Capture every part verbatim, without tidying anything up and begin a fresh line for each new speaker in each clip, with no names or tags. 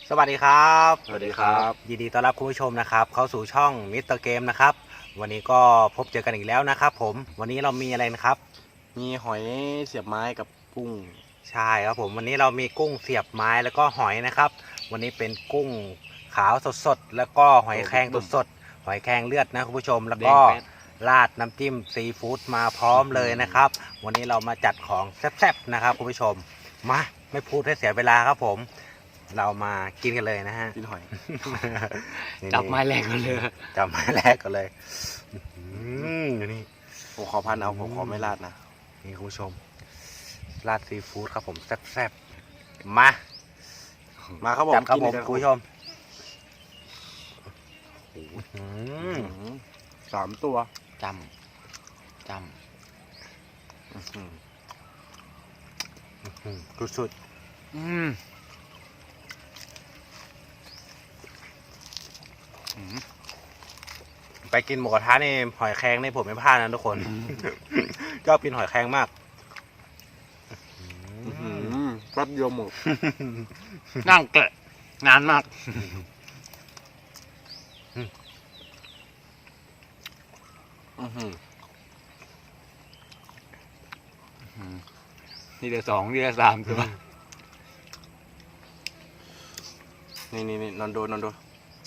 สวัสดีครับ
สวัสดีครับ
ยินดีต้อนรับคุณผู้ชมนะครับเข้าสู่ช่องมิสเตอร์เกมนะครับวันนี้ก็พบเจอกันอีกแล้วนะครับผมวันนี้เรามีอะไรนะครับ
มีหอยเสียบไม้กับกุ้ง
ใช่ครับผมวันนี้เรามีกุ้งเสียบไม้แล้วก็หอยนะครับวันนี้เป็นกุ้งขาวสดๆแล้วก็หอยแครงสดๆหอยแครงเลือดนะคุณผู้ชมแล้วก็ราดน้ำจิ้มซีฟู้ดมาพร้อมเลยนะครับวันนี้เรามาจัดของแซ่บๆนะครับคุณผู้ชมมาไม่พูดให้เสียเวลาครับผมเรามากินกันเลยนะฮะ
กินหอย
จับไม้แรกกันเลยจับไม้แรกกันเลยอืมนี่
ผมขอพันเอาผมขอไม่ราดนะ
นี่คุณผู้ชมราดซีฟู้ดครับผมแซ่บๆมา
มาครับผม
จับครับผมคุณผู้ชม
สามตัว
จำจำสุดๆอืมไปกินหมูกระทะนี่หอยแครงนี่ผมไม่พลาดนะทุกคนชอบกินหอยแครงมาก
แป๊บเดียวหมด
นั่งเกะนานมากนี่เดือสองนี่เดือสามตัว
นี่นี่นี่นอนโดนนอนโดน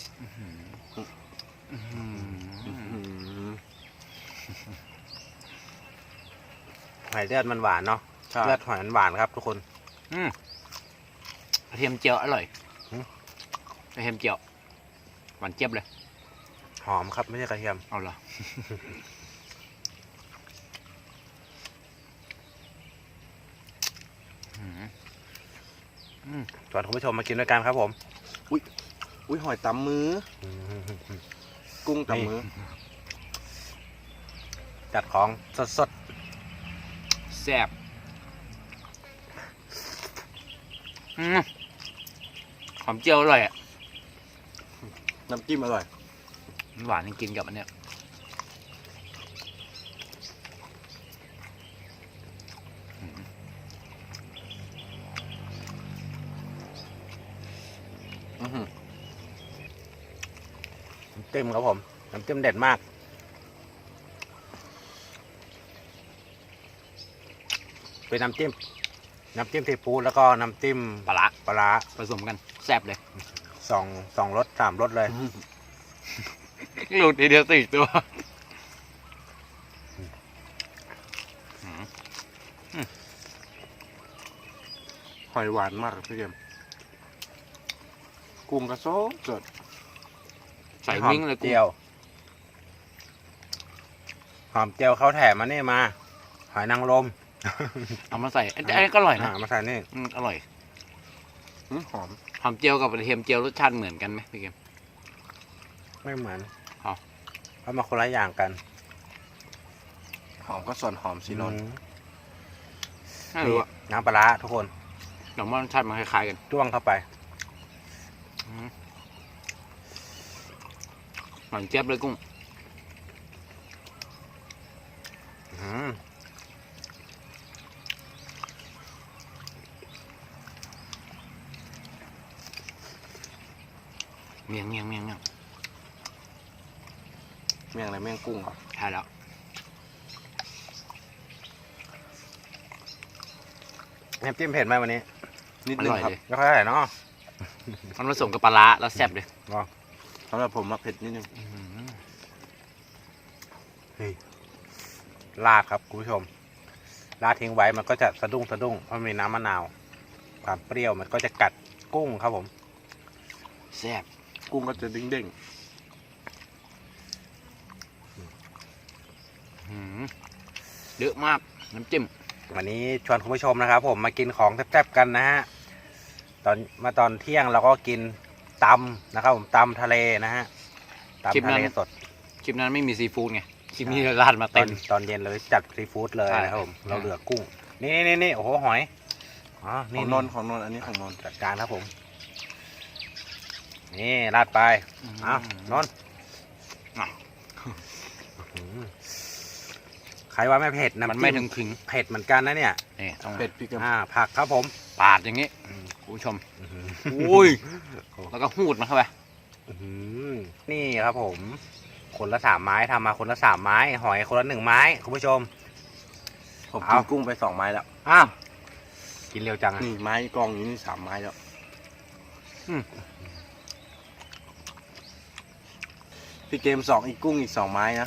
หอยเลือดมันหวานเนาะเลือดหอยมันหวานครับทุกคนกระเทียมเจียวอร่อยกระเทียมเจียวหวานเจี๊ยบเลยหอมครับไม่ใช่กระเทียมเอาเหรอชวนคุณผู้ชมมากินด้วยกันครับผม
อุ้ยอุ้ยหอยตำมือกุ้งตำมือ
จัดของสดๆแซ่บหอมเจียวอร่อยอ่ะ
น้ำจิ้มอร่อย
หวานจริงๆกับอันเนี้ยน้ำจิ้มครับผมน้ำจิ้มเด็ดมากเป็นน้ำจิ้มน้ำจิ้มซีฟู้ดแล้วก็น้ำจิ้มปลาปลาผสมกันแซ่บเลยสองสองรสสามรสเลยหลุดทีเดียวสี่ตัว
หอยหวานมากพี่เกมกุ้งกระโซกสด
ใส่มิ้งเลยเจียวหอมเจียวเขาแถมมานี่มาหอยนางรมเอามาใส่อันนี้ก็อร่อยนะมาใส่นี่อร่อย
หอม
หอมเจียวกับกระเทียมเจียวรสชาติเหมือนกันไหมพี่เกมไม่เหมือนเอาเอามาคนละอย่างกัน
หอมก็ส่วนหอมสินน
นี่น้ำปลาทุกคนหน่อมันรสชาติมันคล้ายๆกันจ้วงเข้าไปหวานเจี๊ยบเลยกุ้งเมียงเมียงเมียงเมียง
เมียงอะไรเมียงกุ้งเหรอ
ใช่แล้วน้ำจิ้มเผ็ดไหมวันนี้
นิดนึงครับ
ไม่ค่อยเท่าไหร่เนาะมันผสมกับปลาร้าแล้วแซ่บเลย
สำหรับผมมาเผ็ดนิดนึง
ราดครับคุณผู้ชมราดทิ้งไว้มันก็จะสะดุ้งสะดุ้งเพราะมีน้ำมะนาวความเปรี้ยวมันก็จะกัดกุ้งครับผมแซ่บ
กุ้งก็จะเด้ง
ๆเยอะมากน้ำจิ้มวันนี้ชวนคุณผู้ชมนะครับผมมากินของแซ่บๆกันนะฮะตอนมาตอนเที่ยงเราก็กินตำนะครับผมตำทะเลนะฮะตำทะเลสดคลิปนั้นไม่มีซีฟู้ดไงคลิปนี้ราดมาเต็มตอนเย็นเลยจัดซีฟู้ดเลยนะครับผมเราเหลือกุ้งนี่นี่นี่โอ้โหหอย
อ๋อนี่นนของนนอันนี้ของนน
จัดการครับผมนี่ราดไปอ้าวนนใครว่าไม่เผ็ดนะมันไม่ถึงถึงเผ็ดเหมือนกันนะเนี่ย
เผ็ดพริก
อ่าผักครับผมปาดอย่างนี้
โ
คุณผู้ชม
อื้อหือ
อุ้ยแล้วก็หูดมันเข้าไป
อื้อหือนี่ครับผม คนละสามไม้ทำมาคนละสามไม้ หอยคนละหนึ่งไม้คุณผู้ชม
ผมกิ
เอา
นกุ้งไปสองไม้แล้ว
อ้าวกินเร็วจังอะ
นี่ไม้กองอยู่นี่สามไม้แล้ว
อืม
พี่เกมสองอีกกุ้งอีกสองไม้นะ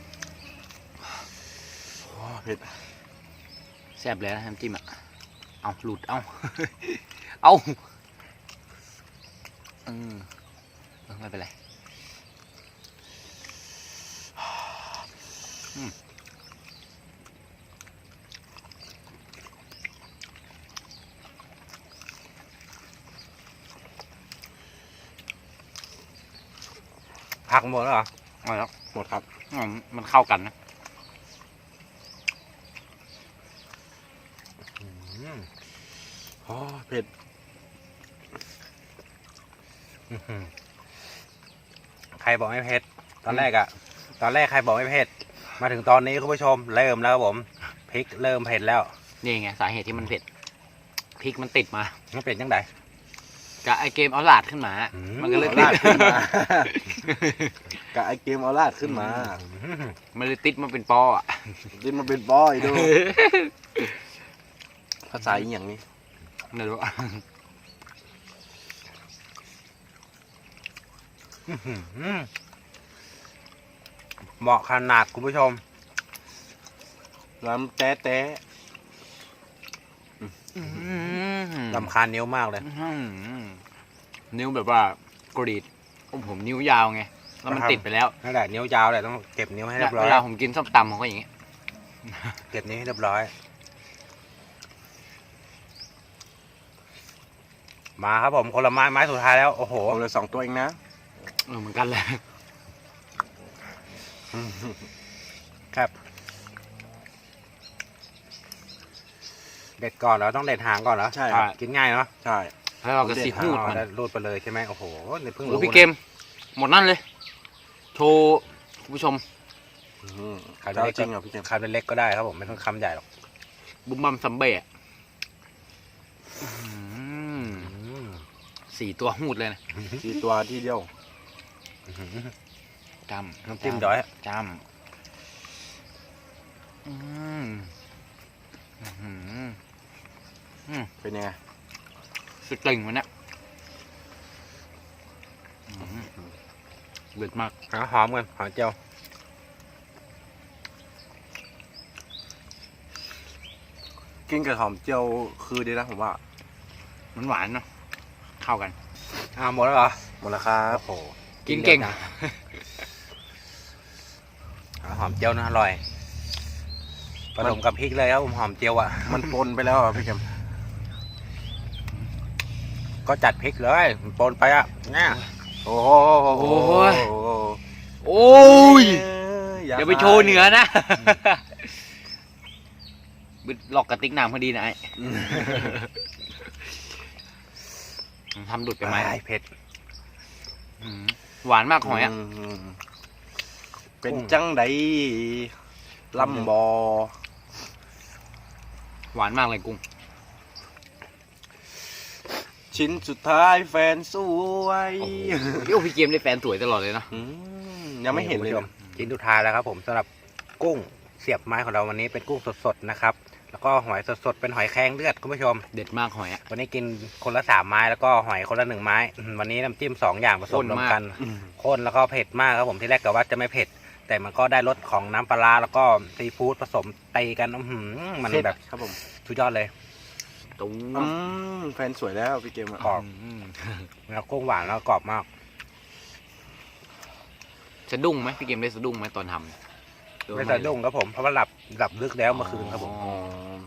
โอ้เผ็ด
แซ่บเลยนะน้ำจิ้มอ่ะเอาหลุดเอาเอาอืมไม่เป็นไรอืม
พักหมดแล้วเหรอ
เอาแล้ว
หมดครับ
อืมมันเข้ากันนะ
อืม
โอ้เผ็ด
อื้อหือใครบอกไม่เผ็ด ตอนแรกอะตอนแรกใครบอกไม่เผ็ด มาถึงตอนนี้คุณผู้ชม เริ่มแล้วครับผม พริกเริ่มเผ็ดแล้ว
นี่ไงสาเหตุที่มันเผ็ดพริกมันติดมา
มันเป็นยังไง
กับไอเกมเอาหลาดขึ้นมา
อืม
มันก็เลย
เอา
ติด
ลาดขึ้นมา กับไอเกมเอาลาดขึ้นมา
อื้อหือ
มันเลยติดมาเป็นปออ่ะ
ดินมาเป็นบอยดู ภาษาอีกอย่างนี้
ไม่รู้
อื้อหือเหมาะขนาดคุณผู้ชม
น้ำแต๊ะแต๊ะ
ลำคาญนิ้วมากเลย
อื้อหือนิ้วแบบว่ากรีดโอ้ผมนิ้วยาวไงแล้วมัน
ครับ
ติดไปแล้ว
นั่นแหละนิ้วยาวแหละต้องเก็บนิ้วให้เรียบร้อย
เวลาผมกินส้มตำผมก็อย่างงี้
เก็บนิ้วให้เรียบร้อย มาครับผมคนละไม้ไม้สุดท้ายแล้ว โอ้โห
ผมเหลยสองตัวเองนะ
เออเหมือนกันเลย
ครับ เด็ดก่อนเหรอต้องเด็ดหางก่อนเหรอ
ใช่ครับ
กินง่ายเนาะ
ใช่
แล้วเราก็สีหูด
อ๋อ
มัน
แล้วรูดไปเลยใช่ไหมโอ้โหนี่เพิ่ง
โอ้
รู้
พี่เกม หมดนั่นเลย โชว์คุณผู้ชม
อืม
คำ
เจ้า
เล็ก
จริงเหรอพี่เกม
คำเล็กก็ได้ครับผมไม่ต้องคำใหญ่หรอก
บุมบัมซัมเบ้อะอื้อหือ
อืม
สี่ตัวหูดเลยนะ
สี่ตัวที่เดียว
จำ
น้ำจิ้มย้อย
จำอืมอื้อหือ
เป็นยังไง
สุดกลิ่งมันเนี่ยอื้อหือเด็ดมาก
หาหอมกันหอมเจียว
กินกับหอมเจียวคือดีนะผมว่า
มันหวานเนาะเข้ากัน
อ่าหมดแล้วเหรอ
หมดแล้วครับ
โอ้โห
กินเก่ง
ร็วจัหาหอมเจียวนะอร่อยผสมกับพริกเลยครับผมหอมเจียวอ่ะ
มันปนไปแล้วอ่ะพี่เกม
ก็จัดพริกเลยมันปนไปอ่ะเนี่ย
โอ้โห
โอ้ย
โอ้โห
โอ้ย
อา
เดี๋ยวไปโชว์เหนือนะบิดหลอกกระติกน้ำพอดีนะไอ้ทำดุดไปไหม
ไอ้เผ็ด
อื้อหือหวานมากหอยอ่ะ
มเป็นจังไดลำบอ
หวานมากเลยกุ้ง
ชิ้นสุดท้ายแฟนสวย
โอ้โหพี่โอพี่เกมได้แฟนสวยตลอดเลยเนาะ
อืมยังไม่เห็นเลย
คุณผู้ชมชิ้นสุดท้ายแล้วครับผมสำหรับกุ้งเสียบไม้ของเราวันนี้เป็นกุ้งสดๆนะครับ แล้วก็หอยสดๆเป็นหอยแครงเลือดคุณผู้ชม
เด็ดมากหอยอ่ะ
วันนี้กินคนละสามไม้แล้วก็หอยคนละหนึ่งไม้อืมวันนี้น้ำจิ้มสองอย่างผสมรวมกัน
อืม
ข้นแล้วก็เผ็ดมากครับผมที่แรกกะว่าจะไม่เผ็ด แต่มันก็ได้รสของน้ำปลาร้าแล้วก็ซีฟู้ดผสมตีกันอื้อหือมัน
เผ็ด
แบบ
ครับผม
สุดยอดเลย
ตุ้ง
อืมแฟนสวยแล้วพี่เกมอะ
กรอบ
อืม
แล้วกุ้งหวานแล้วกรอบมาก
สะดุ้งไหมพี่เกมได้สะดุ้งไหมตอนทำ
ไม่สะดุ้งครับผมเพราะว่าหลับหลับลึกแล้วเมื่อคืนครับผม
อ๋อ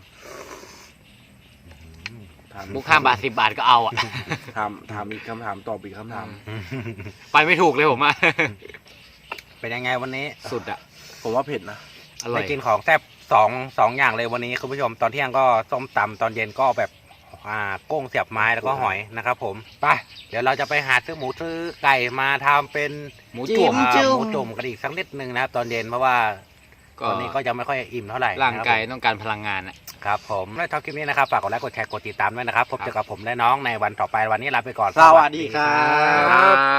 ถาม
มุกห้าบาทสิบบาทก็เอาอ่ะ
ถามถามอีกคำถามตอบอีกคำถาม
ไปไม่ถูกเลยผมอ่ะ
เป็นยังไงวันนี้
สุดอ่ะ
ผมว่าเผ็ดนะ
อร่อ
ได้
ย
กินของแซ่บสองสองอย่างเลยวันนี้คุณผู้ชมตอนเที่ยงก็ส้มตำตอนเย็นก็แบบอ่ากุ้งเสียบไม้แล้วก็หอยนะครับผมไปเดี๋ยวเราจะไปหาซื้อหมูซื้อไก่มาทำเป็น
หมูจุ่ม
อ่าหมูจุ่มกันอีกสักนิดนึงนะครับตอนเย็นเพราะว่า
ก็
ตอนนี้ก็ยังไม่ค่อยอิ่มเท่าไหร่
ร่างกาย
นะครับ
ต้องการพลังงานอ่ะ
ผครับผมถ้าชอบคลิปนี้นะครับฝากกดไลค์กดแชร์กดติดตามด้วยนะครับพบเจอกับผมและน้องในวันต่อไปวันนี้ลาไปก่อน
สวัสดีครับ
ครับ